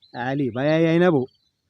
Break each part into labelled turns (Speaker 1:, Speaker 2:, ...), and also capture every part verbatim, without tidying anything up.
Speaker 1: आली बाया आहे ना भाऊ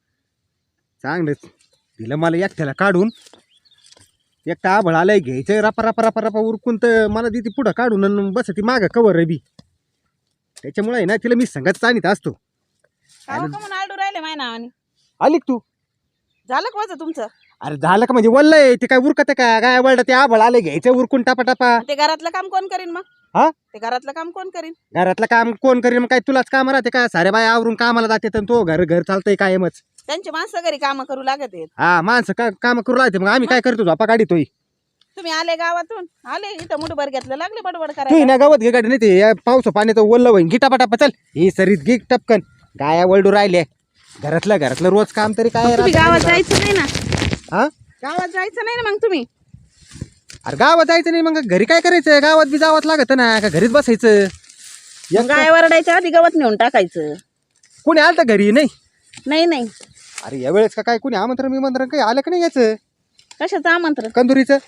Speaker 1: चांगलंच दिलं मला एकट्याला काढून एकटा आभळ आलाय घ्यायचं रपा रपा रपा रपा उरकून तर मला ती पुढं काढून आणि बस ती मागं कवर रबी त्याच्यामुळे आहे ना तिला मी संगत चाणीत असतो.
Speaker 2: का म्हणून आलडू राहिले माय नावाने
Speaker 1: आली का तू?
Speaker 2: झालं का माझं तुमचं?
Speaker 1: अरे झालं का म्हणजे वल्लय ते काय उरकत का काय वळलं ते आभळ आलंय घ्यायचं उरकून टापा टापा.
Speaker 2: ते घरातलं काम कोण करीन मग?
Speaker 1: हा
Speaker 2: ते घरातलं काम कोण करीन?
Speaker 1: घरातलं काम कोण करीन मग काय तुलाच काम राहते का सारे बाय आवरून कामाला जाते तर तो घर घर चालतंय कायमच.
Speaker 2: त्यांची माणसं घरी काम करू लागत आहेत.
Speaker 1: हा माणसं का काम करू लागते मग आम्ही काय करतो झोपा काढितोय.
Speaker 2: तुम्ही आले गावातून आले इथं मुठभर घेतलं लागले बडबड
Speaker 1: तू
Speaker 2: करायला.
Speaker 1: ना गावात घे गाडी नाही ते या पावसा पाण्याचं ओल्लं होईन गिटा पटापा चल ही सरीत घे टपकन गाया वळडू राहिले घरातलं घरातलं रोज काम तरी काय
Speaker 2: तुम्ही
Speaker 1: राहतं.
Speaker 2: गावात जायचं नाही ना?
Speaker 1: हा
Speaker 2: गावात जायचं नाही ना मग तुम्ही?
Speaker 1: अरे गावात जायचं नाही मग घरी काय करायचं गावात बी जावंच लागत ना का घरीच बसायचं.
Speaker 2: मग गाय वरडायच्या आधी गवत नेऊन टाकायचं.
Speaker 1: कोणी आलं तर घरी नाही?
Speaker 2: नाही नाही.
Speaker 1: अरे या वेळेस का काय कोणी आमंत्रण विमंत्रण काही आलं का नाही याचं
Speaker 2: कशाचं आमंत्रण?
Speaker 1: कंदुरीचं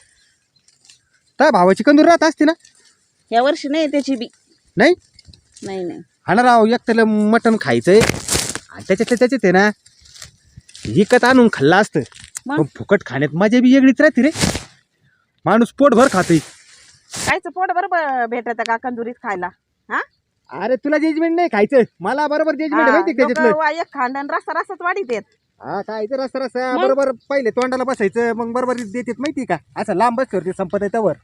Speaker 1: काय भावाची कंदूर राहत असते ना?
Speaker 2: या वर्षी नाही त्याची बी
Speaker 1: नाही
Speaker 2: नाही नाही
Speaker 1: हा राव एक त्याला मटण खायचंय आणि त्याच्यातलं त्याच्यात आहे ना विकत आणून खाल्लं असतं
Speaker 2: मग?
Speaker 1: पण फुकट खाण्यात मजा बी वेगळीच राहते रे. माणूस पोटभर खातोय.
Speaker 2: कायचं पोट बरोबर भेटत का कंदुरीत खायला? हा
Speaker 1: अरे तुला जजमेंट नाही खायचं मला बरोबर जजमेंट माहिती का त्याच्यातलं.
Speaker 2: लोकं एक खांडण रस्ता रस्ताच वाढीत आहेत.
Speaker 1: हा खायचं रस्ता रस्ता बरोबर पहिले तोंडाला बसायचं मग बरोबर देतात माहिती का असं लांब बस करते संपत आहे त्यावर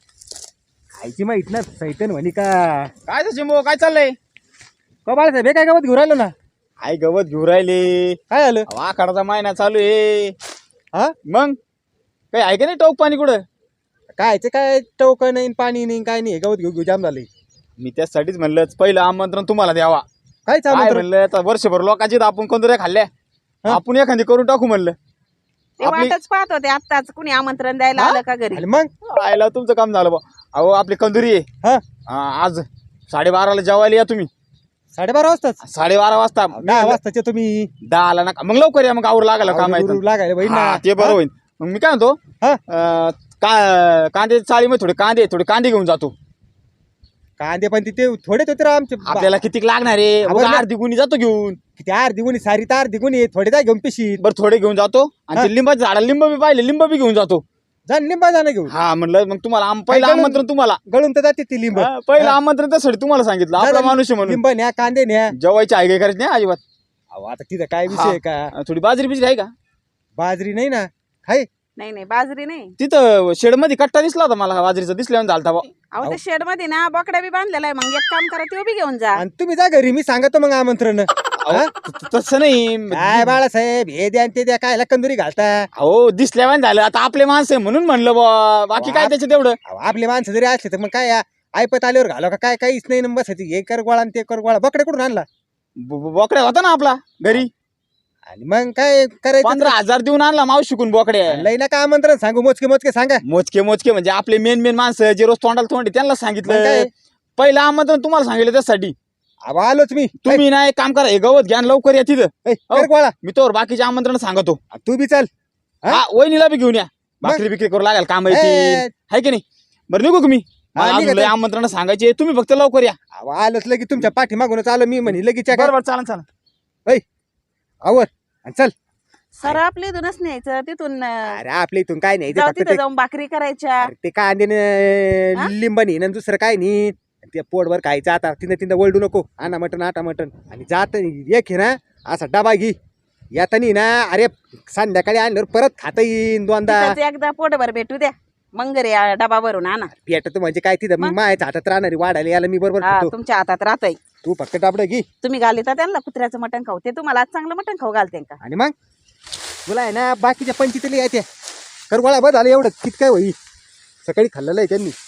Speaker 1: खायची माहित ना सैतन म्हणी का
Speaker 3: काय चिंबो काय चाललंय?
Speaker 1: का बाळासाहेब हे काय गावात घेऊन राहिलो ना?
Speaker 3: आई गवत घेऊ राहिले.
Speaker 1: काय आलं?
Speaker 3: आखाडाचा महिना चालू आहे.
Speaker 1: हा
Speaker 3: मग काही आहे का नाही टोक पाणी कुठं?
Speaker 1: कायचं काय टवक नाही पाणी नाही काय नाही गावात घेऊ घेऊ जाम झालंय.
Speaker 3: मी त्यासाठीच म्हणलं पहिलं आमंत्रण तुम्हाला द्यावा.
Speaker 1: काय
Speaker 3: काय
Speaker 1: चालू
Speaker 3: म्हणलं आता वर्षभर लोकांची आपण कंदुऱ्या खाल्ल्या आपण एखादी करून टाकू म्हणलं.
Speaker 2: ते वाटच पाहत होते आत्ताच कुणी आमंत्रण द्यायला आलं का घरी.
Speaker 1: मग
Speaker 3: आयला तुमचं काम झालं बा. अहो आपली कंदुरी आहे.
Speaker 1: हा
Speaker 3: हा, आज साडेबाराला जेवायला या तुम्ही.
Speaker 1: साडेबारा वाजताच
Speaker 3: साडेबारा वाजता
Speaker 1: दहा वाजताचे तुम्ही
Speaker 3: दहाला नका मग लवकर या मग आवर लागायला काम आहे
Speaker 1: आवरून लागायला बाई ना.
Speaker 3: हा, ते बरं होईल. मग मी काय म्हणतो
Speaker 1: हा
Speaker 3: अं, का कांदे चाळीमध्ये थोडे कांदे थोडे कांदे घेऊन जातो.
Speaker 1: कांदे पण तिथे थोडेच होते राव आमचे.
Speaker 3: आपल्याला किती लागणार आहे?
Speaker 1: आपण
Speaker 3: बघा, अर्धी गुणी जातो घेऊन.
Speaker 1: किती अर्धी गुणी सारी तर अर्धी गुणी थोडे जाय घेऊन पिशीत
Speaker 3: बरं थोडे घेऊन जातो आणि ते लिंबाचे झाड लिंब बी पाहिले लिंब बी घेऊन जातो.
Speaker 1: जा निंबा जाणं घेऊन
Speaker 3: हा म्हणलं मग तुम्हाला आम- पहिलं
Speaker 1: गळून-
Speaker 3: आमंत्रण तुम्हाला
Speaker 1: गळून तर जाते ती लिंब.
Speaker 3: हा, पहिलं आमंत्रण त्यासाठी तुम्हाला सांगितलं आपला माणूस आहे म्हणून.
Speaker 1: लिंब न्या कांदे न्या.
Speaker 3: जेवायची आहे काय करायची नाही अजिबात.
Speaker 1: अहो, आता तिथं काय विषय आहे का?
Speaker 3: अं, थोडी बाजरी बिजरी आहे का
Speaker 1: बाजरी नाही ना हाय.
Speaker 2: नाही नाही बाजरी नाही.
Speaker 3: तिथं शेड मध्ये कट्टा दिसला होता मला बाजरीचा दिसल्यावर झालता बा.
Speaker 2: अहो ते शेड मध्ये ना बोकड्या बी बांधलेला आहे. मग एक काम करा ते बी घेऊन जा.
Speaker 1: आणि तुम्ही जा घरी मी सांगतो मग आमंत्रण.
Speaker 3: अहो, त- तसं नाही
Speaker 1: काय बाळासाहेब हे द्या आणि ते द्या काय कंदुरी घालता.
Speaker 3: अहो दिसल्यावर झालं आता आपले माणसं आहे म्हणून म्हणलं बा बाकी काय त्याच्यात एवढं.
Speaker 1: अहो, आपले माणसं जरी असले तर मग काय या ऐपत आल्यावर घालो का काय काहीच नाही ना बसायची हे कर गोळा आणि ते कर गोळा बकडे कुठून आणला
Speaker 3: ब- ब- बोकड्या होता ना आपला घरी.
Speaker 1: आणि मग काय करायचं.
Speaker 3: पंधरा हजार देऊन आणला मावस शिकून बोकड्या.
Speaker 1: लई ना का आमंत्रण सांगू मोजके मोजके सांगा.
Speaker 3: मोजके मोजके म्हणजे आपले मेन मेन माणसं जे रोज तोंडाला तोंड आहे, त्यांना
Speaker 1: मग
Speaker 3: सांगितलं.
Speaker 1: काय?
Speaker 3: पहिलं आमंत्रण तुम्हाला सांगितलं त्यासाठी.
Speaker 1: अहो, आलोच मी.
Speaker 3: तुम्ही ना एक काम करा हे गवत घ्या आणि लवकर या तिथं.
Speaker 1: ऐ, कर गोळा
Speaker 3: मी तोवर बाकीचे आमंत्रण सांगतो.
Speaker 1: तू बी चल. हा?
Speaker 3: हा वहिनीला बी घेऊन या भाकरी बिकरी करू लागेल काम
Speaker 1: ए,
Speaker 3: येतील आहे की नाही. बरं निघू का मी?
Speaker 1: हा,
Speaker 3: मला
Speaker 1: निघा
Speaker 3: अजून लय
Speaker 1: तर.
Speaker 3: आमंत्रण सांगायचे तुम्ही फक्त लवकर या.
Speaker 1: अहो, आलोच लगी तुमच्या पाठी मागूनच आलो मी म्हणे लगेच काय
Speaker 3: बरोबर चालन चालन.
Speaker 1: आवर आणि चल.
Speaker 2: सर आपल्या इथूनच न्यायचं तिथून अं,
Speaker 1: अरे आपल्या इथून काय नाही
Speaker 2: जाऊ
Speaker 1: फक्त
Speaker 2: तिथं
Speaker 1: ते-
Speaker 2: जाऊन भाकरी करायच्या.
Speaker 1: अरे ते कांदे
Speaker 2: हा?
Speaker 1: लिंब नाही ना दुसरं काय नाही. ते पोटभर खायचं आता तिथं तिथं वळडू नको आणा मटण आटा मटण आणि जात एक हे ना असा डबा घे येतानी ना. अरे संध्याकाळी आणल्यावर परत खाता येईन दोनदा.
Speaker 2: तिथंच एकदा पोटभर भेटू द्या मग घरी आ- डबा भरून आणा.
Speaker 1: पेटत म्हणजे काय तिथं
Speaker 2: मग?
Speaker 1: मायाच्या हातात राहणारी वाढायला याला मी बरोबर
Speaker 2: हा
Speaker 1: खातो.
Speaker 2: तुमच्या हातात राहतय.
Speaker 1: तू फक्त डाबडं घे
Speaker 2: तुम्ही घालिता त्यांना कुत्र्याचं मटण खाऊ ते तुम्हाला आज चांगलं मटण खाऊ घालते का?
Speaker 1: आणि मग तुला आहे ना बाकीच्या पंचितली येते कर गोळा बस झालं एवढं कित काय होई सकाळी खाल्लेलं आहे त्यांनी.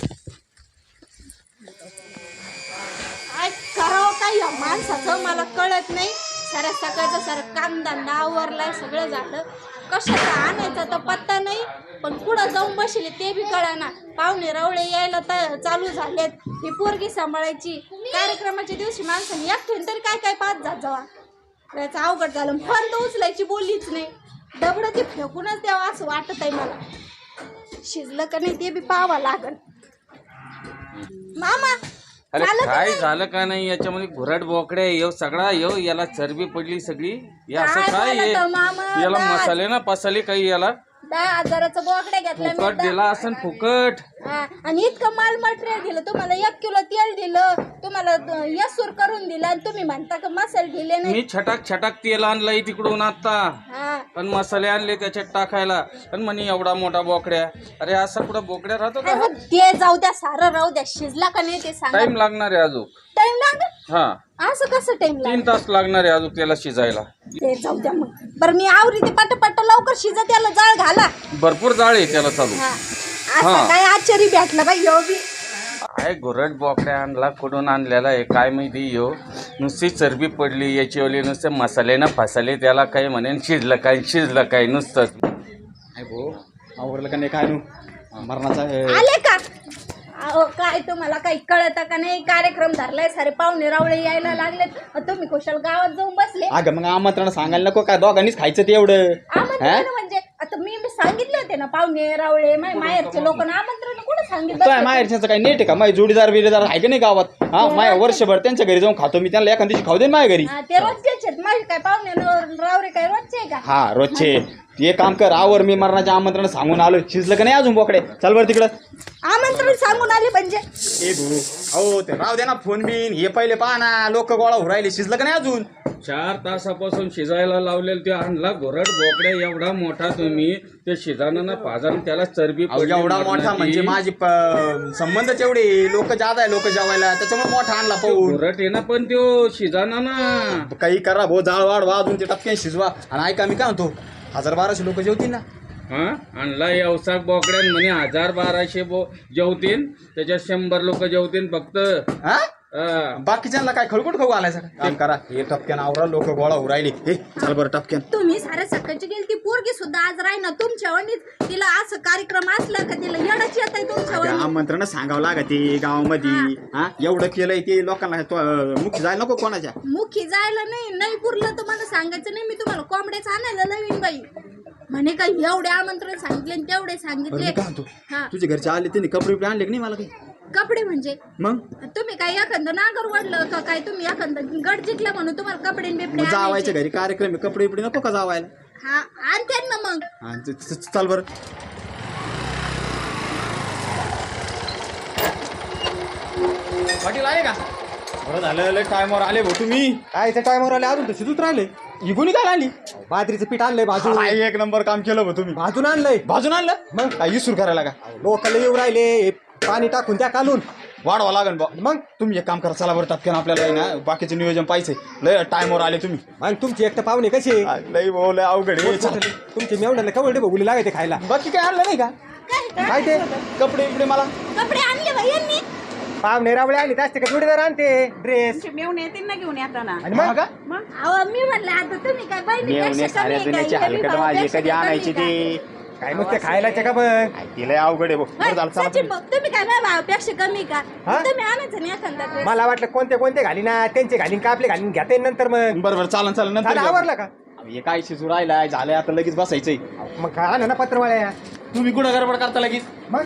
Speaker 4: काय करावं काय या माणसाचं मला कळत नाही. साऱ्या सकाळचं सारं कांदा नावरलाय सगळं झालं. कशाचं आणायचं तर पत्ता नाही. पण पुढं जाऊन बसले ते बी कळना. पाहुणे रवळे यायला तर चालू झालेत. ही पोरगी सांभाळायची. कार्यक्रमाच्या दिवशी माणसाने एकठेन तरी काय काय पाच जात जावा. त्याचं अवघड झालं. फोन तर उचलायची बोललीच नाही. दबडं ती फेकूनच द्यावं असं वाटत आहे मला. शिजलं का नाही ते बी पाहावं लागल. मामा
Speaker 5: अरे
Speaker 4: झालं का
Speaker 5: काय
Speaker 4: नाही?
Speaker 5: झालं का नाही याच्यामध्ये घुरट बोकड्या येऊ सगळा येऊ याला चरबी पडली सगळी हे असं
Speaker 4: काय
Speaker 5: काय
Speaker 4: बोलत
Speaker 5: आहे?
Speaker 4: मामा,
Speaker 5: याला
Speaker 4: काय?
Speaker 5: मसाले ना पसाले काही याला
Speaker 4: दहा हजाराचं बोकडे घेतलं मी
Speaker 5: फुकट
Speaker 4: दहा-
Speaker 5: दिला असं फुकट
Speaker 4: हा, आणि इतकं माल मटेरियल दिलं तुम्हाला एक किलो तेल दिलं तुम्हाला द- यसूर करून दिला आणि तुम्ही म्हणता का मसाले दिले नाही
Speaker 5: मी छटाक छटाक तेल आणलंय तिकडून आता
Speaker 4: हा
Speaker 5: पण मसाले आणले त्याच्यात टाकायला पण म्हणे एवढा मोठा बोकड्या अरे असा कुठं बोकड्या राहतो का
Speaker 4: अहो, ते जाऊ द्या सारं राहू द्या शिजला का नाही ते सांगा
Speaker 5: टाइम लागणार आहे अजून
Speaker 4: टाइम लागत
Speaker 5: हा
Speaker 4: असं कसं टाइम
Speaker 5: तीन
Speaker 4: लागत
Speaker 5: तास लागणार आहे अजून त्याला शिजायला
Speaker 4: ते जाऊ द्या मग बरं मी आवरी ते पट पट लवकर शिजत त्याला जाळ घाला
Speaker 5: भरपूर जाळ आहे त्याला चालू
Speaker 4: हा असं काय आश्चर्य भेटलं बाई यो बी
Speaker 5: काय घुरट बोकड्या आणला कुठून आणलेला आहे काय माहिती यो नुसती चरबी पडली याची नुसते मसाले ना फसाले त्याला काही म्हणेन शिजलं काय शिजलं काय नुसतंच
Speaker 3: नाही भाऊ आवरलं का नाही काय नू मरणाचा हे.
Speaker 4: आले का अहो काय तुम्हाला काही कळत का नाही कार्यक्रम धरलाय सारे पाहुणे रावळे यायला लागलेत अ, तुम्ही कुशल गावात जाऊन बसले
Speaker 3: अगं मग आमंत्रण सांगायला नको काय दोघांनीच खायचं ते एवढं
Speaker 4: आमंत्रण म्हणजे आता मी मी सांगितले होते ना पाहुणे रावळे माय माहेरचे लोक आमंत्रण कुठे
Speaker 3: तो
Speaker 4: सांगितलं
Speaker 3: माहेरच्याचं काही नेट आहे का माझे जोडीदार बिडीदार आहे का नाही गावात हा माझ्या वर्षभर त्यांच्या घरी जाऊन खातो मी त्यांना एखाद दिवशी खाऊ दे ना माझ्या घरी
Speaker 4: हा, ते रोजचेच आहेत माझे काय पाहुणे न- रावळे काय रोजचे आहे का
Speaker 3: हा रोजचे ते काम कर आवर मी मरणाचे आमंत्रण सांगून आलो शिजलं का नाही अजून बोकडे चल बरं तिकडं
Speaker 4: आमंत्रण सांगून आले म्हणजे
Speaker 3: ए भाऊ अहो ते राव दे ना फोन बिन हे पहिले पहा ना लोक गोळा होऊ राहिले शिजलं का नाही अजून
Speaker 5: चार तासापासून शिजायला लावलेलं ते आणला घोरट बोकड्या एवढा मोठा तुम्ही ते शिजानं ना पाजानं त्याला चरबी
Speaker 3: अहो,
Speaker 5: पडली
Speaker 3: एवढा मोठा
Speaker 5: मरणाची.
Speaker 3: म्हणजे माझी प- संबंधच एवढे लोक जात आहे लोक जेवायला त्याच्यामुळे मोठा आणला पाहून
Speaker 5: घोरट आहे ना पण त्यो शिजाना ना
Speaker 3: काही करा भाऊ जाळ वाढ वाजून ते टपक्यान शिजवा आणि ऐका मी काय म्हणतो हजार बाराशे लोक जेवतील ना
Speaker 5: हा आणला व्यवसाक बोकड्यान म्हणे हजार बाराशे बो जेवतील त्याच्यात शंभर लोक जेवतील फक्त
Speaker 3: हा
Speaker 5: हा.
Speaker 3: बाकीच्यांना काय खळकुट खाऊ घालायचं का? काम करा हे टपक्यान आवरा लोक गोळा होऊ राहिले हे चल बरं टपक्यान
Speaker 4: तुम्ही सारे सकाळची गेली ती पोरगी सुद्धा आज राही ना तुमच्या वणीत तिला असं कार्यक्रम असला का तिला येडच येत आहे तुमच्या
Speaker 3: अगं,
Speaker 4: वणीत
Speaker 3: आमंत्रण सांगावं लागत ते गावामध्ये हा एवढं केलंय ते लोकांना तो, अं, मुख्य जायला नको कोणाच्या
Speaker 4: मुखी जायला नाही नाही पुरलं तर मला सांगायचं नाही मी तुम्हाला कोंबड्याच आणायला नवीन बाई म्हणे काय एवढे आमंत्रण सांगितले आणि तेवढे
Speaker 3: बरं
Speaker 4: सांगितले
Speaker 3: मी काय म्हणतो
Speaker 4: हा
Speaker 3: तुझे घरचे आले त्यांनी कपडे बिपडे आणले की नाही मला काही
Speaker 4: कपडे म्हणजे
Speaker 3: मग
Speaker 4: तुम्ही काय एखादं नागर वडलं का काय तुम्ही एखादं गड जिंकलं म्हणून तुम्हाला कपडे आणि बिपडे
Speaker 3: मग जावायच्या
Speaker 4: आणायचे.
Speaker 3: घरी कार्यक्रम आहे, कपडे बिपडे नको का जावायला
Speaker 4: हा आणते ना मग
Speaker 3: हा, च- च- चल बरं पाटील आले का बरं झालं लय टायमावर आले भाऊ तुम्ही
Speaker 1: काय त्या टायमावर आले अजून तर शिजूच राहिले
Speaker 3: इगुनी काय आणली
Speaker 1: बाजरीचं पीठ आणलंय भाजून
Speaker 3: हा, एक नंबर काम केलं भाऊ तुम्ही
Speaker 1: भाजून आणलंय
Speaker 3: भाजून आणलं मग काय इसूर करायला का
Speaker 1: लोकांना येऊ राहिले हे पाणी टाकून त्या कालून
Speaker 3: वाढवा लागन बा
Speaker 1: मग
Speaker 3: तुम्ही एक काम करा चला बरं टपक्यान आपल्याला आहे ना बाकीचे नियोजन पाहिजे लय टायमावर आले तुम्ही
Speaker 1: मग तुमची एक तर पाहुणे कसे
Speaker 3: आ, लय भाऊ लय अवघड आहे. चला.
Speaker 1: तुमचे मेवण्याला कवडे बघुले लागायचे खायला
Speaker 3: बाकी काय आणलं नाही का
Speaker 4: काय
Speaker 1: काय ते
Speaker 3: कपडे बिपडे मला
Speaker 4: कपडे आणले बाई यांनी
Speaker 1: पाहुणे रावळे आणले असते का जोडीदार आणते ड्रेस
Speaker 2: तुमचे मेवणे येतील ना घेऊन येताना
Speaker 1: आणि मग
Speaker 3: का
Speaker 4: अहो मी म्हणलं आता तुम्ही काय बहिणी
Speaker 3: मेवणे साऱ्या दुनियाची हलकट माझी कधी आणायची ते
Speaker 1: काय मग ते खायला का बघ
Speaker 3: तिला अवघड आहे भाऊ बरं झालं चला
Speaker 4: सचिन भाऊ तुम्ही काय माझ्या भावापेक्षा कमी का
Speaker 1: हा?
Speaker 4: तुम्ही आणायचं नाही एखादा dress.
Speaker 1: मला वाटलं कोणते कोणते घाली ना त्यांचे घालीन का आपले घालीन घेता येईल नंतर मग
Speaker 3: बरं बरं चालन चालन नंतर
Speaker 1: झालं
Speaker 3: घेऊ.
Speaker 1: आवरलं का
Speaker 3: हे काय शिजू राहिलाय झालंय आता लगेच बसायचंय
Speaker 1: मग का आणा ना पत्रवाळ्या
Speaker 3: तुम्ही कुठं गडबड करता लगेच
Speaker 1: मग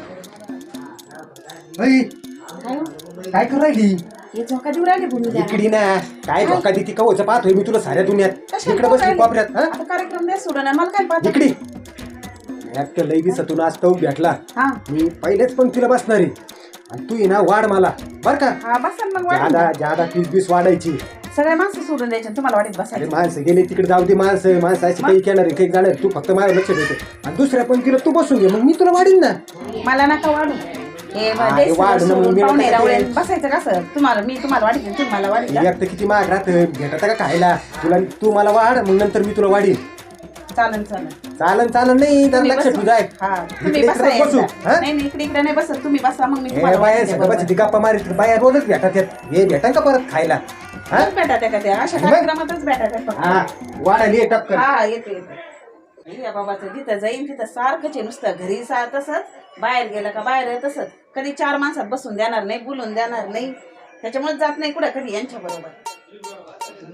Speaker 1: काय करू राहिली
Speaker 2: हे झोका देऊ राहिले बोलू द्या
Speaker 1: इकडी ना काय धोका देती कवच पाहतोय मी तुला साऱ्या दुनियात
Speaker 2: कशाला
Speaker 1: इकडे बसली
Speaker 2: बोलायली?
Speaker 1: कोपऱ्यात हा?
Speaker 2: आता कार्यक्रम नाही सोडणार मला काय पाहत
Speaker 1: इकडी एक लई दिवसातून आज तो भेटला
Speaker 2: हा
Speaker 1: मी पहिलेच पंक्तीला बसणार आहे आणि तू ये ना वाढ मला बर का
Speaker 2: हा बसा ना मग वाढून
Speaker 1: जादा
Speaker 2: द्या.
Speaker 1: जादा तीस बीस वाढायची
Speaker 2: सगळ्या माणसं सोडून द्यायचे तुम्हाला वाटत
Speaker 1: अरे
Speaker 2: बसायचं
Speaker 1: माणसं गेले तिकडे जाऊ दे माणसं माणसं अशी काही येणार एक जाणार तू फक्त माझ्या लक्ष देते आणि दुसऱ्या पंक्तीला तू बसून घे मग मी तुला वाढीन ना
Speaker 2: मला नका वाढू हे
Speaker 1: हा,
Speaker 2: द्यायचं
Speaker 1: हे वाढ ना,
Speaker 2: सोडून
Speaker 1: मग मी
Speaker 2: पाहुणे
Speaker 1: नका
Speaker 2: रावळे
Speaker 1: ते.
Speaker 2: बसायचं कसं तुम्हाला मी तुम्हाला वाढीन तुम्हाला वाढीन
Speaker 1: एक तर किती महाग राहत भेटत का खायला तुला तू मला वाढ मग नंतर मी तुला वाढीन
Speaker 2: चालन चालन
Speaker 1: चालन चालन नाही तर
Speaker 2: तुम्ही
Speaker 1: लक्ष
Speaker 2: बसा.
Speaker 1: तुझा आहे
Speaker 2: हा तुम्ही
Speaker 1: इकडे
Speaker 2: बसा
Speaker 1: इकडे बसू
Speaker 2: एकदा.
Speaker 1: हा?
Speaker 2: नाही नाही इकडे इकडे नाही बसत तुम्ही बसा मग मी
Speaker 1: हे
Speaker 2: तुम्हाला
Speaker 1: बाया
Speaker 2: वाढीन
Speaker 1: सगळ्याची
Speaker 2: बरोबर.
Speaker 1: गप्पा मारित बाया रोजच भेटत आहेत हे भेटन का परत खायला हा
Speaker 2: मग भेटा त्या का त्या अशा
Speaker 1: मग?
Speaker 2: कार्यक्रमातच भेटा त्या फक्त.
Speaker 1: हा वाढाली टक्कर
Speaker 2: हा येते येते या बाबाचं जिथं जाईन तिथं सारखंच आहे नुसतं घरी सा तसंच बाहेर गेलं का बाहेर आहे तसंच कधी चार माणसात बसून देणार नाही बोलून देणार नाही त्याच्यामुळे जात नाही कुठं कधी यांच्या बरोबर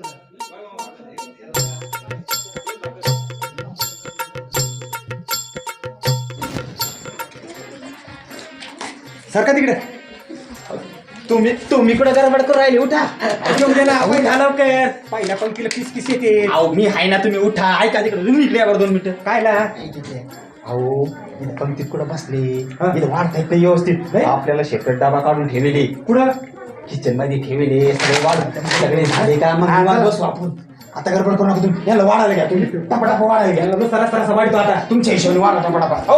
Speaker 1: सरका तिकडे
Speaker 3: तुम्ही तुम्ही कुठे गडबड करून राहिले उठा
Speaker 1: घेऊन दे ना पहिला लवकर पहिल्या पंक्तीला किस किस येते
Speaker 3: अहो मी आहे ना तुम्ही उठा ऐका तिकडे तुम्ही इकडे या बरं दोन मिनिटं
Speaker 1: काय ना
Speaker 3: अहो इथं पंक्तीत कुठं बसले इथं वाढता येत नाही व्यवस्थित आपल्याला शेपरेट डबा काढून ठेवले
Speaker 1: कुठं
Speaker 3: किचन मध्ये ठेवले सगळे वाढ सगळे झाले का मग निवांत बसू आपण आता गडबड करू नका तुम्ही याला वाढायला घ्या तुम्ही टपटाप वाढायला घ्या
Speaker 1: याला सरास सरास वाढतो आता
Speaker 3: तुमच्या हिशोबाने वाढा टपटापा हो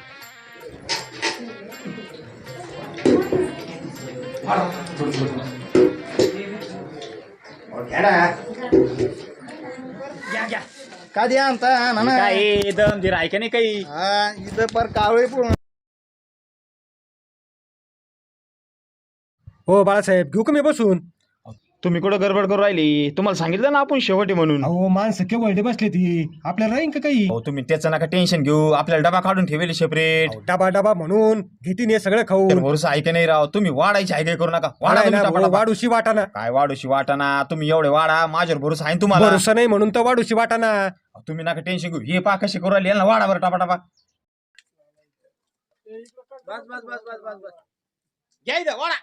Speaker 3: वाढा. थोडं, थोडं, थोडं.
Speaker 1: हो, घ्या ना
Speaker 3: घ्या घ्या
Speaker 1: का द्या आणता ना ना
Speaker 3: काय दम धीर आहे का नाही काही
Speaker 1: हा इथं पर कावळे पूर्ण हो बाळासाहेब घेऊ का मी बसून
Speaker 3: तुम्ही कुठं गडबड करून राहिली तुम्हाला सांगितलं ना आपण शेवटी म्हणून
Speaker 1: अहो माणसं केवळ बसले ती आपल्याला राहीन का काही
Speaker 3: हो तुम्ही त्याचं नका टेन्शन घेऊ आपल्याला डबा काढून ठेवले सेपरेट
Speaker 1: अहो, डबा डबा म्हणून घेतीन हे सगळं खाऊन
Speaker 3: भरोसा आहे का नाही राव तुम्ही वाढायची आहे काय करू नका वाढा
Speaker 1: वाढायला
Speaker 3: तुम्ही टपाटपा.
Speaker 1: वाढूशी वाटाना
Speaker 3: काय वाढूशी वाटाना तुम्ही एवढे वाढा माझ्यावर भरोसा आहे ना तुम्हाला
Speaker 1: भरोसा नाही म्हणून तर वाढूशी वाटाना
Speaker 3: तुम्ही नका टेन्शन घेऊ हे पा कशी करू राहिली यांना वाढा बरं टापाटापा घ्या इथं, वाढा.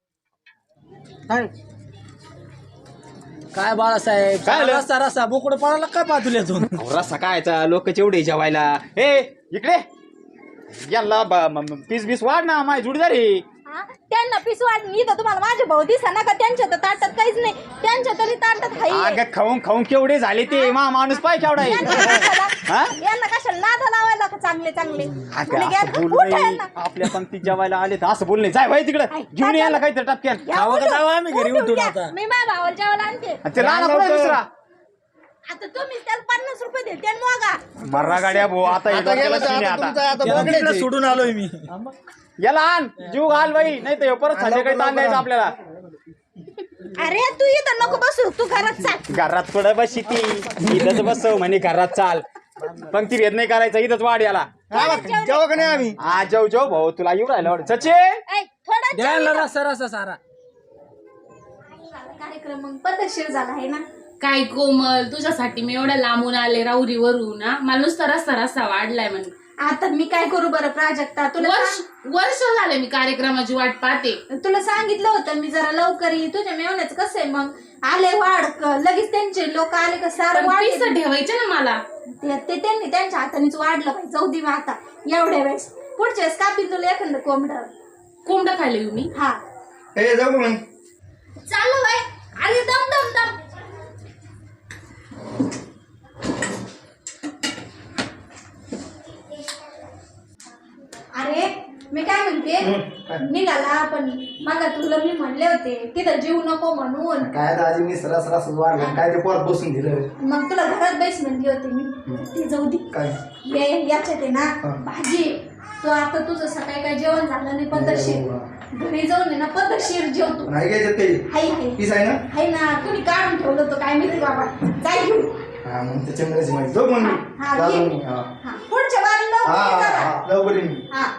Speaker 6: काय बाळासाहेब
Speaker 3: काय आलं?
Speaker 6: रस्ता रस्ता बोकड पडायला काय पातुल्यातून
Speaker 3: अहो, रस्सा कायचा लोक एवढे जेवायला ए इकडे यांना ब- म- म- पीस बीस वाढ ना माझी जुडीदार आहे
Speaker 4: हा? त्यांना पिसवाड मी तर तुम्हाला माझे भाऊ दिसा ना का त्यांच्या तर ताटात काहीच नाही त्यांच्या तरी ताटात हाई आहे.
Speaker 3: अगं खाऊन खाऊन केवढे झाले ते मा माणूस पाय केवढा
Speaker 4: यांना
Speaker 3: आहे
Speaker 4: कशाला
Speaker 3: हा?
Speaker 4: यांना कशाला नादा लावायला का चांगले चांगले
Speaker 3: अगं,
Speaker 4: आणि घ्या
Speaker 3: असं
Speaker 4: ना,
Speaker 3: बोलू
Speaker 4: उठा
Speaker 3: नाही
Speaker 4: यांना.
Speaker 3: आपल्या पंक्तीत जेवायला आले तर असं बोल नाही जाय भाई तिकडे
Speaker 4: आई,
Speaker 3: घेऊन
Speaker 4: काय
Speaker 3: यायला
Speaker 4: झालं?
Speaker 3: काहीतरी टपक्यान
Speaker 4: या,
Speaker 6: खावं का
Speaker 4: उठून.
Speaker 6: जावं आम्ही घरी
Speaker 4: उठून
Speaker 6: उठून
Speaker 4: घ्या.
Speaker 6: आता?
Speaker 4: मी माझ्या भावाला जेवायला आणते
Speaker 3: आणि ते लहान पुढे दुसरा
Speaker 4: आता तुम्ही त्याला पन्नास रुपये देते आणि मगा
Speaker 3: मर्रा गाड्या भाऊ आता हे डोक्याला शिणे आता
Speaker 6: तिकडे सोडून आलोय मी
Speaker 3: याला आण जीव घाल बाई नाही तर परत संध्याकाळी ताण द्यायचं आपल्याला
Speaker 4: अरे तू इथं नको बसू तू घरात चाल
Speaker 3: घरात थोडं बस ती इथंच बसव म्हणे घरात चाल पंक्ती भेद नाही करायचा इथंच वाढ याला
Speaker 1: जेव्हा का नाही आम्ही
Speaker 3: हा जाऊ जाऊ भाऊ तुला येऊ राहिला वाटत सचिन
Speaker 4: ऐ, थोडा
Speaker 6: द्यायला रस्ता रस्ता सारा
Speaker 4: कार्यक्रम मग पद्धतशीर झाला आहे ना
Speaker 7: काय कोमल तुझ्यासाठी मी एवढ्या लांबून आले राऊरीवरून ना मला नुसता रस्ता रस्ता वाढलाय म्हणजे
Speaker 4: आता मी काय करू बरं प्राजक्ता तुला
Speaker 7: वर्ष
Speaker 4: सांग-
Speaker 7: वर्ष झाले मी कार्यक्रमाची वाट पाहते
Speaker 4: तुला सांगितलं होतं मी जरा लवकर ये तुझ्या मेवण्याचं कसं आहे मग आले वाढ क- लगेच त्यांचे लोक आले का सारं
Speaker 7: पण
Speaker 4: वाढ
Speaker 7: पिसं ठेवायचे ना मला
Speaker 4: ते ते त्यांनी त्यांच्या हातानेच वाढलं पाहिजे जाऊ दे मग आता एवढ्या वेळेस पुढच्या वेळेस कापीन तुला एखादं कोंबड
Speaker 7: कोंबडं खाल्ले तुम्ही
Speaker 4: हा
Speaker 1: ए जाऊ मग
Speaker 4: चालू बाय अरे दम दम दम अरे मी काय म्हणते निघाला पण मग तुला मी म्हणले होते तिथं जीव नको म्हणून
Speaker 1: काय दाजी मी सरस सरस वाढलं काय ते परत बसून दिलं
Speaker 4: मग तुला घरात बैस म्हणली होती मी ती जाऊ दे
Speaker 1: काय
Speaker 4: हे याच्यात आहे ना भाजी तो आता तुझं सकाळी काय जेवण झालं नाही पद्धतशीर घरी जाऊन आहे ना पद्धतशीर जेवतो
Speaker 1: नाही घ्यायचं काही
Speaker 4: हाय हाय
Speaker 1: पीस आहे ना
Speaker 4: हाय ना कुणी काढून ठेवलं होतं काय माहिती बाबा जाय घेऊ
Speaker 1: हा मग त्याच्यामुळेच माहिती जाऊ मग मी
Speaker 4: हा,
Speaker 1: चालू
Speaker 4: घे.
Speaker 1: मी हा
Speaker 4: हा पुढच्या बारीला
Speaker 1: हा
Speaker 4: लवकर ये
Speaker 1: हा,
Speaker 4: जरा.
Speaker 1: हा लवकर येईन मी
Speaker 4: हा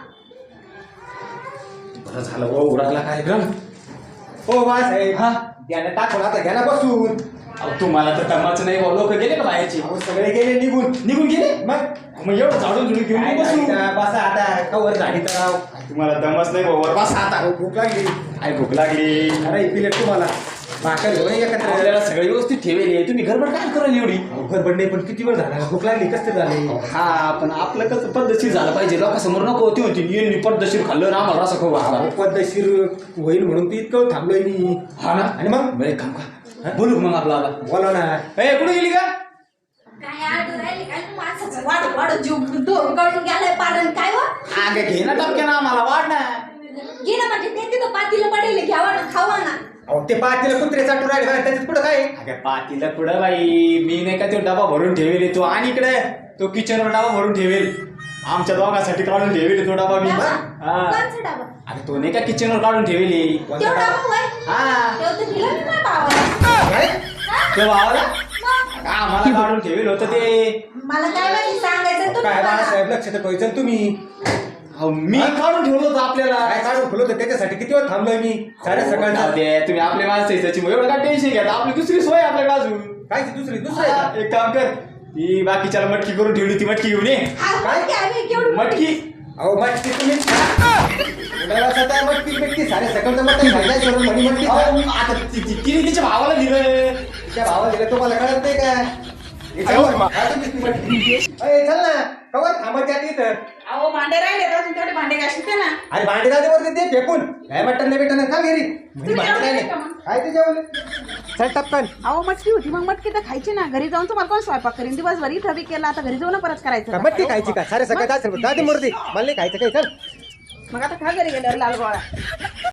Speaker 3: बरं झालं भाऊ उडाला कार्यक्रम
Speaker 1: हो बाळासाहेब हा घ्या ना टाकून आता घ्या ना बसून
Speaker 3: अहो, तुम्हाला तर कामाचं नाही भाऊ लोक गेले का बाहेरची
Speaker 1: अहो, सगळे गेले निघून
Speaker 3: निघून गेले
Speaker 1: मग
Speaker 3: मग एवढं झाडून झुडून घेऊन
Speaker 1: काय
Speaker 3: मी बसू
Speaker 1: झाडी तर, बसा आता कवर झाडी तर राव.
Speaker 3: तुम्हाला दमच नाही भाऊ बस आता
Speaker 1: अहो, भूक लागली
Speaker 3: काय भूक लागली
Speaker 1: अरे प्लेट तुम्हाला भाकर घेऊन एकत्र
Speaker 3: आपल्याला सगळं व्यवस्थित ठेवले तुम्ही गडबड काय करायला एवढी
Speaker 1: गडबड नाही पण किती वेळ झाला भूक लागली कसं ते झाले
Speaker 3: हा पण आपलं कसं पद्धतशीर झालं पाहिजे लोकांसमोर नको होती होती यांनी पद्धतशीर खाल्लं ना आम्हाला रसा खाऊ घातला.
Speaker 1: अहो, पद्धतशीर होईल म्हणून ती इतकं थांबलोय मी
Speaker 3: हा ना
Speaker 1: आणि मग
Speaker 3: बरं एक काम का बोलू का मग आपला आला
Speaker 1: बोला ना
Speaker 3: ए कुठे गेली का
Speaker 4: काय आडू राहिली काय तू माणसाचं वाढ वाढ जीव तो गळून गेलाय पारण काय व
Speaker 3: आगे घे ना टपक्या ना आम्हाला वाढ ना
Speaker 4: घे ना म्हणजे ते तिथं पातीला पडेल घ्यावा ना खावा ना
Speaker 1: अहो ते पातीला कुत्रे चाटून राहिले बाहेर त्याच्यात पुढं काय
Speaker 3: अगं पातीला पुढं बाई मी नाही का तो डबा भरून ठेवेल तो आणि इकडे तो किचनवर डबा भरून ठेवेल आमच्या दोघांसाठी काढून ठेवेल तो डबा मी
Speaker 4: डबा?
Speaker 3: हा
Speaker 4: कोणचा डबा
Speaker 3: अगं तो नाही का किचनवर काढून ठेवेल
Speaker 4: तेवढा डबा होय
Speaker 3: हा
Speaker 4: तेव्हा तर दिला मी माझ्या भावाला
Speaker 1: काय
Speaker 3: तो भावाला
Speaker 4: मग
Speaker 3: आम्हाला काढून ठेवेल होतं ते
Speaker 4: मला काय माहिती सांगायचं तुम्ही
Speaker 1: काय
Speaker 4: मला.
Speaker 1: बाळासाहेब लक्ष तर ठेवायचं तुम्ही
Speaker 3: अहो, मी काढून ठेवलं होतं आपल्याला
Speaker 1: काय काढून खुलं होतं त्याच्यासाठी किती वेळ थांबलोय मी साडे सकाळचा
Speaker 3: जाऊ दे, तुम्ही आपले माणसं आहे, त्याची एवढं काय टेन्शन घ्या आपली दुसरी सोय आहे आपल्याकडे अजून
Speaker 1: काय ती दुसरी दुसरं आहे
Speaker 3: हा,
Speaker 1: का?
Speaker 3: एक काम कर ती बाकीच्याला मटकी करून ठेवली ती मटकी घेऊन ये
Speaker 4: हा,
Speaker 1: काय?
Speaker 4: मटकी आम्ही केवढी
Speaker 3: मटकी
Speaker 1: अहो मटकी तुम्ही उडावासाचा मटकी बिटकी सारे सकलचं मटण खायला सोडून म्हणी मटकी खा.
Speaker 3: अहो, आता ति- ति- तिने तिच्या भावाला दिलं.
Speaker 1: तिच्या भावाला दिलं तुम्हाला कळत नाही का हे चल, खा तुम्हीच ती मटकी. अय, चल ना कवर थांबायच्या आधी इथं.
Speaker 2: अहो भांडे राहिले तर अजून तेवढे भांडे घासते ना.
Speaker 1: अरे भांडे जाते वरती ते फेकून काय मटण नाही भेटणार का घरी म्हणजे भांडे
Speaker 2: जेवले
Speaker 1: राहिले
Speaker 2: का मग?
Speaker 1: काय ते जेवले चल टपकन.
Speaker 2: अहो मटकी होती मग मटकी तर खायची ना. घरी जाऊन तुम्हाला कोण स्वयंपाक करीन दिवसभर इथं बी केला आता घरी जाऊन परत करायचं
Speaker 1: का
Speaker 2: का?
Speaker 1: मटकी खायची का सारे सगळं जाते मूर्ती मला नाही खायचं काही चल
Speaker 2: मग आता खा घरी गेल्यावर लाल गोळा.